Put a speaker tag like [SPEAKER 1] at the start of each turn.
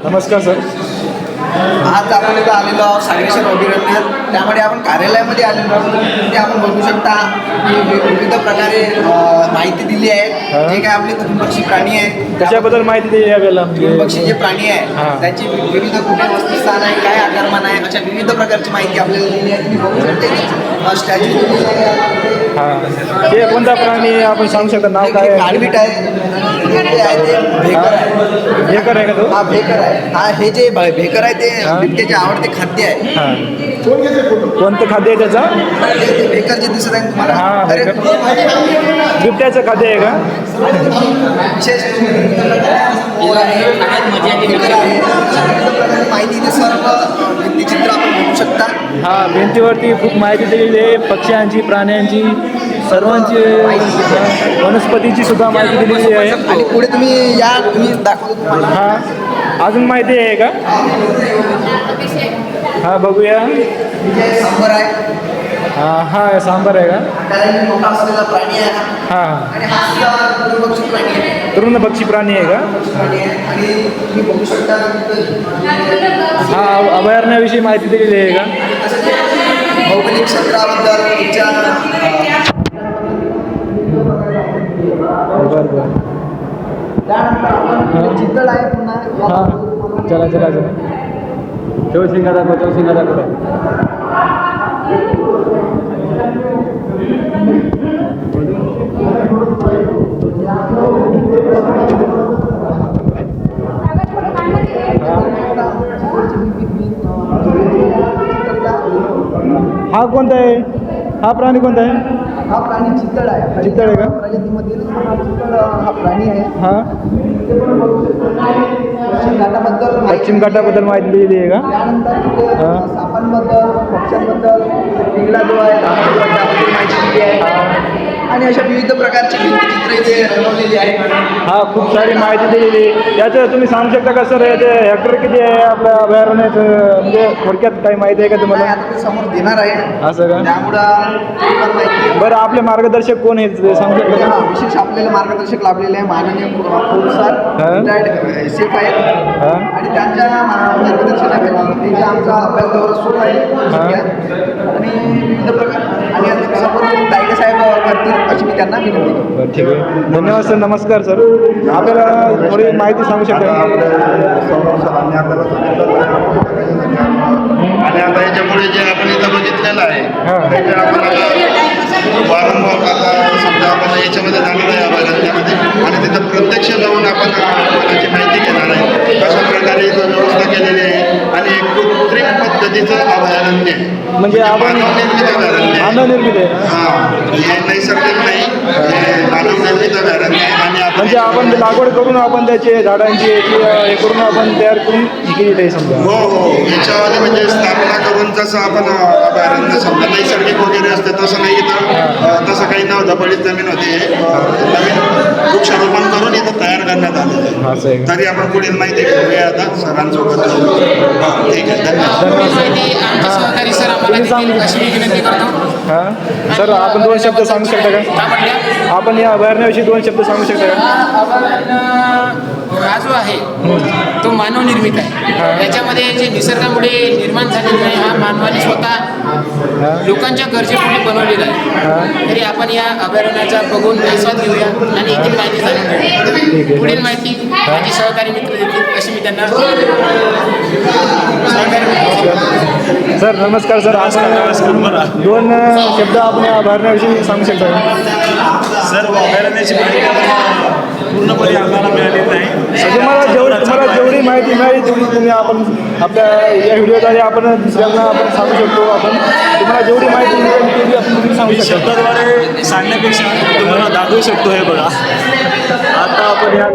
[SPEAKER 1] नमस्कार सर.
[SPEAKER 2] आज आपण इथं आलेलो आहोत सागरेश्वर अभयारण्यात. त्यामध्ये आपण कार्यालयामध्ये आलेलो आहोत. ते आपण बघू शकता की विविध प्रकारे माहिती दिली आहे. जे काय आपले तृणभक्षी प्राणी आहेत
[SPEAKER 1] त्याच्याबद्दल माहिती द्या यावेळेला.
[SPEAKER 2] तृणभक्षी जे प्राणी आहे त्याची विविध कुठे वसतिस्थान आहे, काय आकारमान आहे, अशा विविध प्रकारची माहिती आपल्याला दिली आहे. तुम्ही बघू शकता स्टॅच्यू दिलेली आहे.
[SPEAKER 1] ते कोणता प्राणी आपण सांगू शकता, नाव काय आहे?
[SPEAKER 2] काळवीट आहे, ते आहे ते भेकर आहे.
[SPEAKER 1] भेकर आहे का तो?
[SPEAKER 2] हा भेकर आहे. हा हे जे भेकर आहे ते बिबट्याचे आवडते खाद्य आहे.
[SPEAKER 1] कोणतं खाद्य आहे त्याचा?
[SPEAKER 2] ते भेकर जे दिसत आहे तुम्हाला,
[SPEAKER 1] हा,
[SPEAKER 2] अरे
[SPEAKER 1] भेकर. बिबट्याचं खाद्य आहे का?
[SPEAKER 2] विशेष भेकर आहे. माहिती इथे सर्व भित्तिचित्र आपण बघू शकता.
[SPEAKER 1] हा, भिंतीवरती खूप माहिती दिलेली आहे. पक्ष्यांची, प्राण्यांची, सर्वांची, वनस्पतीची सुद्धा माहिती दिलेली आहे.
[SPEAKER 2] आणि पुढे तुम्ही या, तुम्ही दाखवतो तुम्हाला.
[SPEAKER 1] हा, अजून माहिती आहे का? हा, बघूया.
[SPEAKER 2] सांबर आहे.
[SPEAKER 1] हा, सांबार आहे का?
[SPEAKER 2] कारण मोठा असलेला प्राणी आहे हा.
[SPEAKER 1] हां,
[SPEAKER 2] आणि हा सुद्धा तृणभक्षी प्राणी आहे.
[SPEAKER 1] तृणभक्षी प्राणी आहे का?
[SPEAKER 2] प्राणी आहे. आणि तुम्ही बघू शकता
[SPEAKER 1] हा, अभयारण्याविषयी माहिती दिलेली आहे का?
[SPEAKER 2] भौगोलिक क्षेत्राबद्दल तुमच्या
[SPEAKER 1] बरं बरं.
[SPEAKER 2] त्यानंतर आपण चितळ आहे पुन्हा.
[SPEAKER 1] हां, चला चला चला. चौशिंगा दाखव, चौशिंगा दाखव. हा कोणता आहे? हा प्राणी कोणता आहे?
[SPEAKER 2] हा प्राणी चितळ आहे.
[SPEAKER 1] चितळ आहे का?
[SPEAKER 2] प्रजातीमधील चितळ हा प्राणी आहे.
[SPEAKER 1] हां,
[SPEAKER 2] पश्चिम घाटाबद्दल
[SPEAKER 1] पश्चिम घाटाबद्दल माहिती दिलेली आहे का?
[SPEAKER 2] त्यानंतर तिथे सापांबद्दल, पक्ष्यांबद्दल, पिंगला जो आहे त्याबद्दल माहिती दिली आहे. आणि अशा विविध प्रकारची भित्तिचित्र इथे रंगवलेली आहे.
[SPEAKER 1] हा, खूप सारी माहिती दिलेली आहे. याचं तुम्ही सांगू शकता का सर, याचे हेक्टर किती आहे आपल्या अभयारण्याचं? म्हणजे थोडक्यात काही माहिती आहे का
[SPEAKER 2] नाही,
[SPEAKER 1] तुम्हाला?
[SPEAKER 2] आता ते समोर देणार आहे.
[SPEAKER 1] असं का?
[SPEAKER 2] त्यामुळं थोडीफार माहिती आहे.
[SPEAKER 1] बरं, आपले मार्गदर्शक कोण आहेत ते सांगू शकता
[SPEAKER 2] हा,
[SPEAKER 1] का?
[SPEAKER 2] विशेष आपल्याला मार्गदर्शक लाभलेले आहे माननीय पोलीसार, रिटायर्ड सेफ आहेत.
[SPEAKER 1] हां,
[SPEAKER 2] आणि त्यांच्या मार्गदर्शनाखाली ते जे आमचा अभ्यास दौरा सुरू आहे सध्या. आणि विविध प्रकार आणि आता समोर दायके साहेब करतील अशी मी त्यांना विनंती करतो.
[SPEAKER 1] बरं, ठीक आहे. धन्यवाद सर. नमस्कार सर. आपल्याला थोडी माहिती सांगू शकता का?
[SPEAKER 3] आणि आता याच्यापुढे जे आपण इथं बघितलेलं आहे
[SPEAKER 1] हां.
[SPEAKER 3] त्याच्या आपण आता वारंवार आता समजा आपण याच्यामध्ये जाणार आहे अभयारण्यामध्ये आणि तिथं प्रत्यक्ष जाऊन आपण वनाची माहिती घेणार आहे. कशा प्रकारे इथं व्यवस्था केलेली आहे आणि एक कृत्रिम पद्धतीचं अभयारण्य आहे.
[SPEAKER 1] म्हणजे आपण
[SPEAKER 3] मानवनिर्मित अभयारण्य आहे.
[SPEAKER 1] मानवनिर्मित आहे ना?
[SPEAKER 3] हां, हे नैसर्गिक नाही, हे मानवनिर्मित अभयारण्य आहे. आणि
[SPEAKER 1] म्हणजे आपण ते लागवड करून आपण त्याचे झाडांची याची हे करून आपण तयार करून हे केली आहे समजा.
[SPEAKER 3] हो हो, याच्यावाले म्हणजे स्थापना करून जसं आपण अभयारण्य समजा नैसर्गिक वगैरे असते तसं नाही इथं. तसं काही नव्हतं, पडीत जमीन होती. नवीन वृक्षारोपण करून इथं तयार करण्यात आलेलं आहे.
[SPEAKER 1] असं आहे का?
[SPEAKER 3] तरी आपण पुढील माहिती घेऊया आता सरांसोबत. हां, ठीक आहे, धन्यवाद.
[SPEAKER 4] सहकारी सर आम्हाला देखील अशी मी विनंती करतो.
[SPEAKER 1] हां, सर आपण 2 शब्द सांगू शकता
[SPEAKER 4] काय
[SPEAKER 1] का?
[SPEAKER 4] म्हटलं?
[SPEAKER 1] आपण या अभयारण्याविषयी 2 शब्द सांगू शकता का?
[SPEAKER 4] हा जो आहे तो मानवनिर्मित आहे. त्याच्यामध्ये जे निसर्गामुळे निर्माण झालेला आहे हा मानवाने स्वतः लोकांच्या गरजेपोटी बनवलेला आहे. तरी आपण या अभयारण्याचा बघून आस्वाद घेऊया आणि येथील माहिती जाणून घेऊया. पुढील माहिती माझे सहकारी मित्र देतील अशी मी त्यांना
[SPEAKER 1] सर नमस्कार सर. आपण 2 शब्द आपण या अभयारण्याविषयी सांगू शकता का?
[SPEAKER 5] सर, अभयारण्याची पूर्णपणे आम्हाला मिळालेली नाही.
[SPEAKER 1] म्हणजे तुम्हाला जेवढी माहिती मिळाली तेवढी तुम्ही आपण आपल्या या व्हिडिओद्वारे आपण दुसऱ्यांना आपण सांगू शकतो. आपण तुम्हाला जेवढी माहिती मिळेल तेवढी आपण तुम्ही सांगू शकता.
[SPEAKER 5] शब्दाद्वारे सांगण्यापेक्षा तुम्हाला दाखवू शकतो. हे बघा,
[SPEAKER 1] आता आपण या